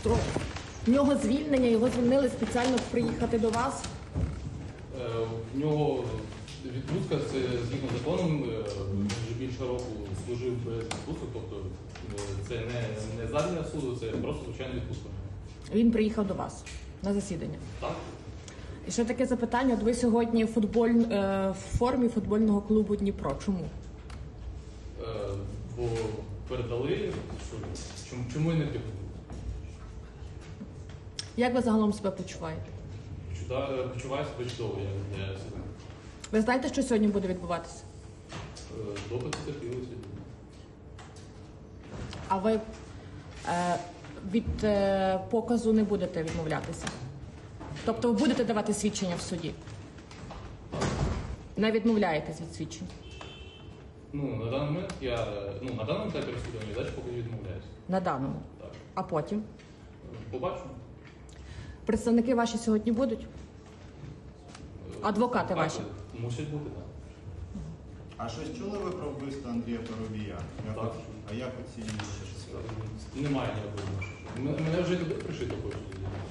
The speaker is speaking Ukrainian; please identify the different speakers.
Speaker 1: В нього звільнення, його звільнили спеціально приїхати до вас.
Speaker 2: В нього відпустка, це згідно законом, він вже більше року служив без відпусток, тобто це не задля суду, це просто звичайна відпустка.
Speaker 1: Він приїхав до вас на засідання.
Speaker 2: Так.
Speaker 1: І ще таке запитання, от ви сьогодні в формі футбольного клубу Дніпро. Чому?
Speaker 2: Бо передали, чому і не типу.
Speaker 1: Як ви загалом себе почуваєте?
Speaker 2: Почуваю себе чудово, я себе.
Speaker 1: Ви знаєте, що сьогодні буде відбуватися?
Speaker 2: Допит терпіли сьогодні.
Speaker 1: А ви від показу не будете відмовлятися? Тобто ви будете давати свідчення в суді? Не відмовляєтесь від свідчень?
Speaker 2: На даний момент на даному етапі розслідування далі поки відмовляюся.
Speaker 1: На даному?
Speaker 2: Так.
Speaker 1: А потім?
Speaker 2: Побачимо.
Speaker 1: Представники ваші сьогодні будуть? Адвокати ваші?
Speaker 2: Мусять бути, так.
Speaker 3: А щось чули ви про вбивство Андрія Парубія?
Speaker 2: Так.
Speaker 3: А як оцінюєте?
Speaker 2: Немає ніякого. Мене вже туди пришито хочуть.